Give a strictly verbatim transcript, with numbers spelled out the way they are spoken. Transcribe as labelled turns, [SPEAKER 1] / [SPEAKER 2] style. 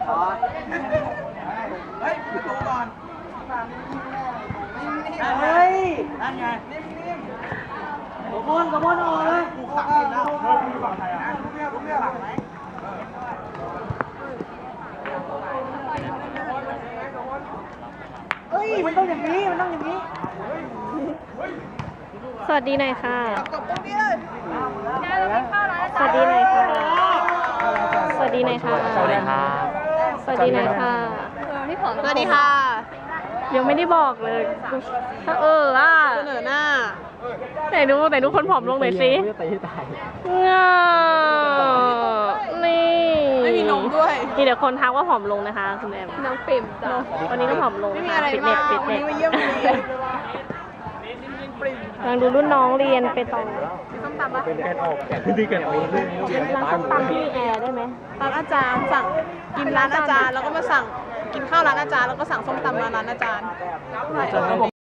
[SPEAKER 1] เฮ้ยประตูก่อน
[SPEAKER 2] เฮ้ย
[SPEAKER 1] นั่นไง
[SPEAKER 2] กระมวลกระมวลออกเลย
[SPEAKER 1] กูขับกินแล้วเฮ้ยมีฝั่งไทยอ่ะรู้เรื่องรู้เรื่องหลังไหม
[SPEAKER 2] เฮ้ยมันต้องอย่างนี้มันต้องอย่างนี้
[SPEAKER 3] สวัสดีหน่อยค่ะ
[SPEAKER 1] ตบตรงนี้เลย
[SPEAKER 3] สวัสดีหน่อยค่ะ สวัสดีหน่อยค่ะ
[SPEAKER 4] สวัสดีครับ
[SPEAKER 3] สวัสดีหน่อยค่ะสวัสดีค่ะ ยังไม่ได้บอกเลยถ้าเอออ่ะเสนอหน้าไหนดูไหนดูคนผอมลงหน่อยสินี่ไม่มีนมด้วยมีแต่คนทักว่าผอมลงนะคะคุณแอมน้องปิ่มจ้ะวันนี้ก็ผอมลงนะคะฟิตเนสฟิตเนสกำลังดูรุ่นน้องเรียนไปต่อส้มตำปะ
[SPEAKER 4] เป็นแกนออกแกนที่แกนออกเรื่อง
[SPEAKER 3] ร้านส้มตำที่แอร์ได้ไหม
[SPEAKER 5] ร้านอาจารย์สั่งกินร้านอาจารย์แล้วก็มาสั่งกินข้าวร้านอาจารย์แล้วก็สั่งส้มตำมาร้านอาจารย์